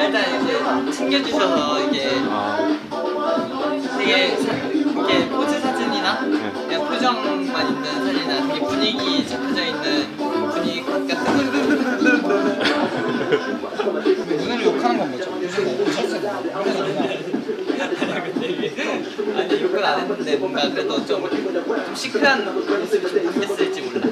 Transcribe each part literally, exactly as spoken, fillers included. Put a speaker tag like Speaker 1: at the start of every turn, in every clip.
Speaker 1: 일단 이제 챙겨주셔서 이게 되게 이게 포즈 사진이나 그냥 표정만 있는 사진이나 되게 분위기 잡혀져 있는 분위기 같은
Speaker 2: 눈을 욕하는 건 뭐죠? 요즘 뭐 오셨어요?
Speaker 1: 아니 욕은 안 했는데 뭔가 그래도 좀, 좀 시크한 모습이 좀 바뀌었을지 몰라.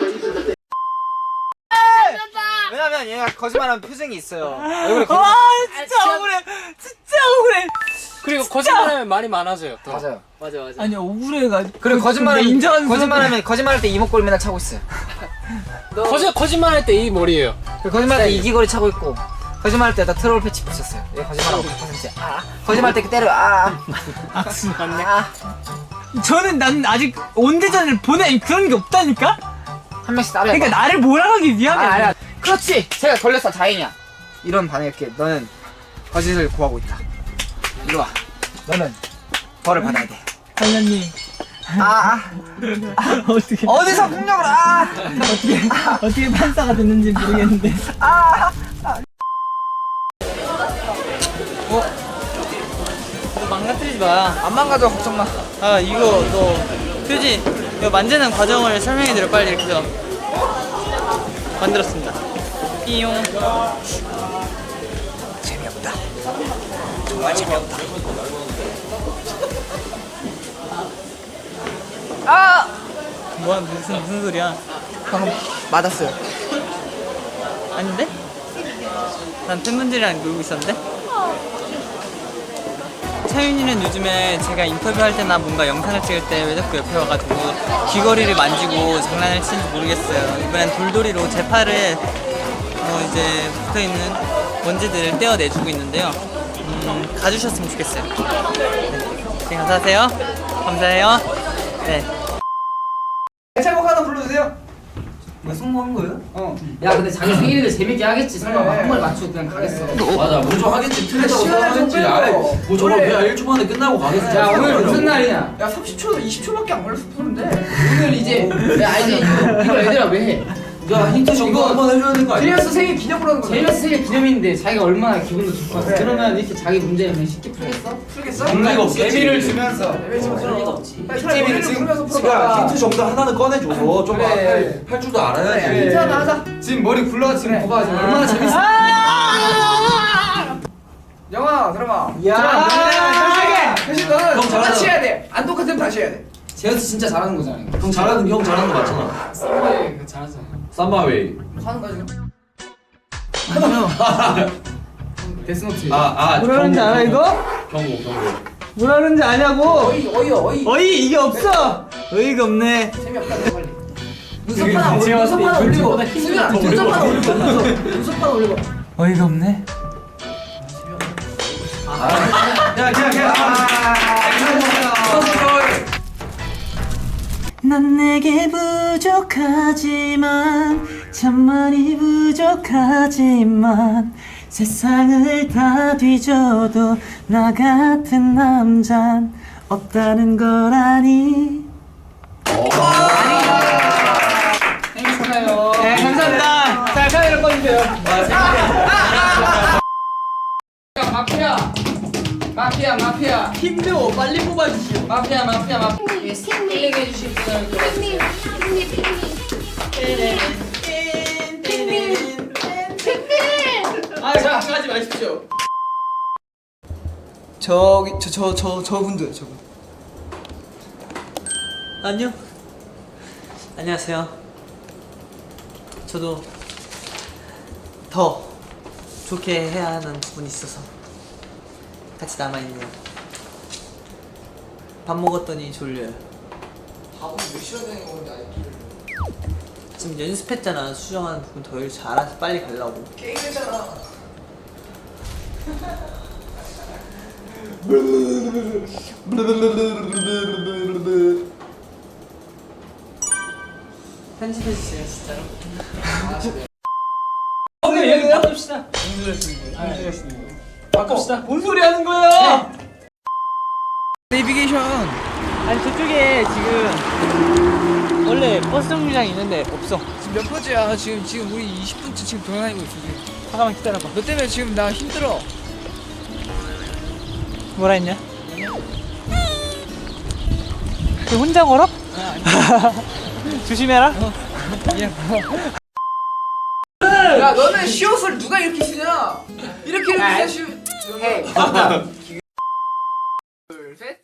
Speaker 2: 왜냐면 얘가 거짓말하는 표정이 있어요. 얼굴에 거짓말.
Speaker 3: 아 진짜 억울해. 진짜 억울해.
Speaker 4: 그리고 거짓말하면 말이 많아져요. 또.
Speaker 2: 맞아요.
Speaker 1: 맞아 맞아.
Speaker 3: 아니 억울해가.
Speaker 2: 그리고 거짓말은
Speaker 3: 인정하는
Speaker 2: 거짓말하면 거짓말할 때 이목구리 맨날 차고 있어요.
Speaker 4: 거짓 거짓말할 때 이 머리예요.
Speaker 2: 그리고 거짓말할 때 이기거리 차고 있고 거짓말할 때다 트롤 패치 붙였어요. 얘 거짓말하고 백 퍼센트 아. 거짓말할 때 때려 아.
Speaker 3: 악수 맞네.
Speaker 2: 아.
Speaker 3: 저는 난 아직 온대전을 보내 그런 게 없다니까.
Speaker 2: 한 명씩 따려.
Speaker 3: 그러니까 나를 몰아가기 위함이
Speaker 2: 아,
Speaker 3: 아니야.
Speaker 2: 아니야. 그렇지. 제가 걸렸어 다행이야. 이런 반응이 이렇게 너는 거짓을 구하고 있다. 이리 와. 너는 벌을 받아야 돼.
Speaker 3: 관련님.
Speaker 2: 아, 아.
Speaker 3: 아 어떻게
Speaker 2: 어디서 폭력을 아.
Speaker 3: 어떻게 어떻게 판사가 됐는지 모르겠는데.
Speaker 2: 아.
Speaker 1: 어? 너 망가뜨리지 마.
Speaker 2: 안 망가져 걱정 마.
Speaker 1: 아 이거 너 휴지 이거 만드는 과정을 설명해드려 빨리 이렇게 해서 만들었습니다. 띠용.
Speaker 2: 재미없다. 정말 재미없다. 아!
Speaker 1: 뭐야 무슨 무슨 소리야?
Speaker 2: 방금 맞았어요.
Speaker 1: 아닌데? 난 팬분들이랑 놀고 있었는데? 차윤이는 요즘에 제가 인터뷰할 때나 뭔가 영상을 찍을 때 왜 자꾸 옆에 와가지고 귀걸이를 만지고 장난을 치는지 모르겠어요. 이번엔 돌돌이로 제 팔을 어 이제 붙어있는 먼지들을 떼어내주고 있는데요. 음, 가주셨으면 좋겠어요. 네, 감사하세요. 감사해요. 네.
Speaker 2: 애창곡 하나 불러주세요.
Speaker 1: 뭐 성공한 거예요?
Speaker 2: 어.
Speaker 4: 야 근데 자기 생일인데 재밌게 하겠지. 설마
Speaker 2: 네.
Speaker 4: 한 번에 맞추고 그냥 가겠어.
Speaker 5: 맞아 먼저 하겠지 틀렸다고
Speaker 2: 시간을 좀
Speaker 5: 생각하겠지
Speaker 2: 빼요.
Speaker 5: 아이 뭐 저거
Speaker 2: 그래.
Speaker 5: 그냥 일 초 만에 끝나고 가겠어
Speaker 4: 야 오늘 무슨 날이냐?
Speaker 2: 야 삼십 초, 이십 초밖에 안 걸려서 푸는데.
Speaker 4: 오늘 이제 야 아니 이거, 이거 얘들아 왜 해?
Speaker 5: 야 힌트 정도
Speaker 4: 이거
Speaker 5: 한번 해줘야 되는 거 아니야?
Speaker 2: 제이어스 생일 기념으로 하는 거야.
Speaker 4: 제이어스 생일 기념인데 자기가 얼마나 기분도 좋고
Speaker 2: 그래.
Speaker 4: 그러면 이렇게 자기 문제를 그냥 쉽게 풀겠어?
Speaker 2: 풀겠어?
Speaker 5: 그럴 리가 없겠지.
Speaker 2: 재미를 주면서.
Speaker 5: 그럴
Speaker 2: 리가
Speaker 5: 없지.
Speaker 2: 빨리
Speaker 5: 재미를
Speaker 2: 노래를
Speaker 5: 지금
Speaker 2: 부르면서
Speaker 5: 지금
Speaker 2: 풀어봐.
Speaker 5: 힌트 정도 하나는 꺼내줘서 좀
Speaker 2: 그래.
Speaker 5: 할, 할 줄도 알아야지
Speaker 2: 그래, 힌트 하나 하자. 지금 머리 굴러 지금
Speaker 3: 그래.
Speaker 2: 봐봐 지금 얼마나 재밌어. 영아 들어봐.
Speaker 3: 야.
Speaker 2: 대신 너는
Speaker 5: 형
Speaker 2: 똑같이
Speaker 5: 잘하잖아.
Speaker 2: 해야 돼. 안 똑같으면 다시 해야 돼.
Speaker 4: 제이어스 진짜 잘하는 거잖아. 이거.
Speaker 5: 형 잘하는 형 잘하는 거 맞잖아
Speaker 4: 썸웨이 그거 잘하잖아.
Speaker 5: 삼바웨이
Speaker 2: 하는 거야 지금.
Speaker 4: 데스노트.
Speaker 5: 아아
Speaker 3: 뭐라는지 알아 이거?
Speaker 5: 경고 경고
Speaker 3: 뭐라는지 아냐고.
Speaker 2: 어이 어이 어이.
Speaker 3: 어이 이게 없어. 어이가 없네.
Speaker 2: 재미없다 너 빨리.
Speaker 4: 되게
Speaker 2: 눈썹 하나 올리고
Speaker 4: 제가
Speaker 2: 눈썹 하나 올리고
Speaker 4: 눈썹보다 힘이
Speaker 2: 승현아
Speaker 4: 더
Speaker 2: 눈썹
Speaker 4: 올리고.
Speaker 2: 하나 올리고 눈썹 눈썹 하나 올리고.
Speaker 3: 어이가 없네.
Speaker 2: 야 그냥 그냥.
Speaker 3: 난 내게 부족하지만 참 많이 부족하지만 세상을 다 뒤져도 나 같은 남잔 없다는 걸 아니.
Speaker 4: 생일 축하해요.
Speaker 3: 네 감사합니다. 자 카메라 꺼주세요.
Speaker 4: 마피아. 마피아 마피아.
Speaker 1: 힘들어 빨리 뽑아주시오.
Speaker 4: 마피아 마피아 마피아.
Speaker 6: 핑미,
Speaker 4: 힐링해 주실 분을
Speaker 6: 핑미, 핑미, 핑미, 핑미, 핑미.
Speaker 1: 아 걱정하지 마십시오.
Speaker 2: 저기 저 저 저 저분들 저분.
Speaker 1: 안녕. 안녕하세요. 저도 더 좋게 해야 하는 부분이 있어서 같이 남아있네요. 밥 먹었더니 졸려요.
Speaker 2: 밥은 몇 시간 전에 먹는데 아직도.
Speaker 1: 지금 연습했잖아. 수정하는 부분 더 잘해서 빨리 가려고.
Speaker 2: 게임했잖아.
Speaker 1: 편집해주세요 진짜로.
Speaker 3: 오늘 여기 바꿉시다. 바꿉시다. 뭔 소리 하는 거야?
Speaker 2: 내비게이션.
Speaker 1: 아니 저쪽에 지금
Speaker 3: 원래 버스 정류장 있는데 없어.
Speaker 2: 지금 몇 번째야? 지금 지금 우리 이십 분째 지금 돌아다니고 있어. 지금.
Speaker 3: 잠깐만 기다려봐.
Speaker 2: 너 때문에 지금 나 힘들어.
Speaker 3: 뭐라 했냐? 그 혼자 걸어? 조심해라.
Speaker 2: 야 너는 시옷을 누가 이렇게 신냐? 이렇게 이렇게 시. 해. 둘 셋.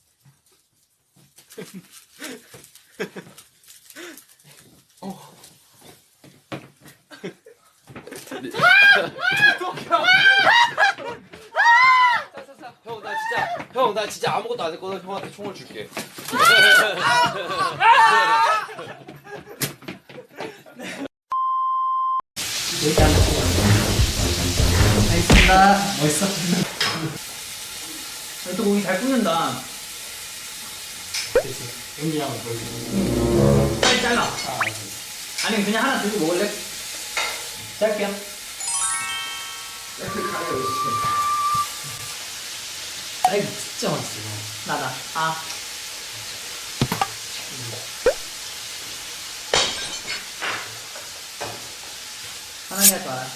Speaker 5: 형 나 진짜 형 나 진짜 아무것도 안 했거든. 형한테 총을 줄게.
Speaker 1: 알겠습니다.
Speaker 3: 멋있어. 또 고기 잘 굽는다. 빨리 잘라. 아니 그냥 하나 들고 먹을래? 짧게요.
Speaker 4: 아이 진짜 맛있어.
Speaker 3: 나다. 아. 편하게 하지 마라.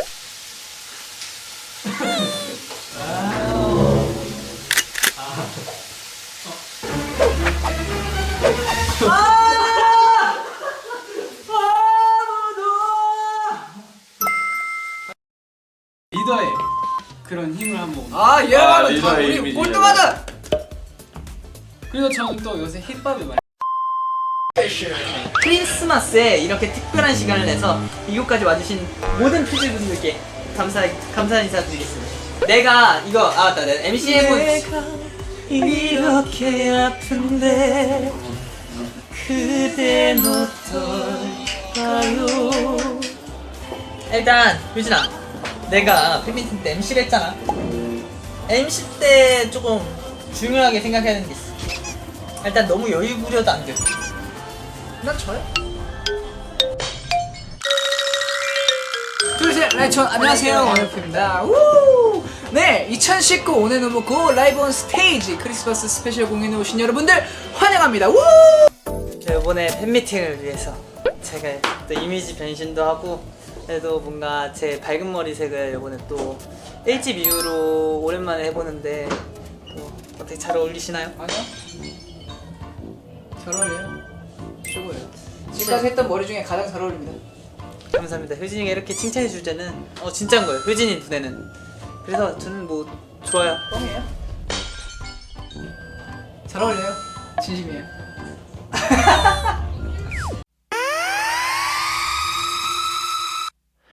Speaker 4: 리더의 그런 힘을 한번.
Speaker 2: 아
Speaker 5: 아,
Speaker 2: 얘가
Speaker 5: 리더의
Speaker 2: 우리
Speaker 5: 이미지.
Speaker 2: 꼴등하다.
Speaker 4: 그리고 저는 또 요새 힙합이 많이.
Speaker 3: 크리스마스에 이렇게 특별한 시간을 내서 이곳까지 와주신 모든 퓨즈분들께 감사 감사 인사 드리겠습니다. 내가 이거 아 맞다 내가 엠씨 해본 이렇게 아픈데 그댄 어떨까요? 일단 유진아, 내가 팬미팅 때 엠씨를 했잖아. 엠씨 때 조금 중요하게 생각해야 되는 게 있어. 일단 너무 여유 부려도 안 돼.
Speaker 2: 난 저요. 둘셋 라이천 안녕하세요 원우프입니다. 우! 네 이천십구 오늘 너무 고 라이브 온 스테이지 크리스마스 스페셜 공연에 오신 여러분들 환영합니다. 우!
Speaker 3: 저 이번에 팬미팅을 위해서 제가 또 이미지 변신도 하고 그래도 뭔가 제 밝은 머리색을 이번에 또 일 집 이후로 오랜만에 해보는데 또 어떻게 잘 어울리시나요?
Speaker 2: 아니요. 잘 어울려요. 최고예요. 지금까지 했던 머리 중에 가장 잘 어울립니다.
Speaker 3: 감사합니다. 효진이가 이렇게 칭찬해 줄 때는 어 진짜인 거예요. 효진이 눈에는. 그래서 저는 뭐 좋아요.
Speaker 2: 뻥이에요? 잘 어울려요. 진심이에요.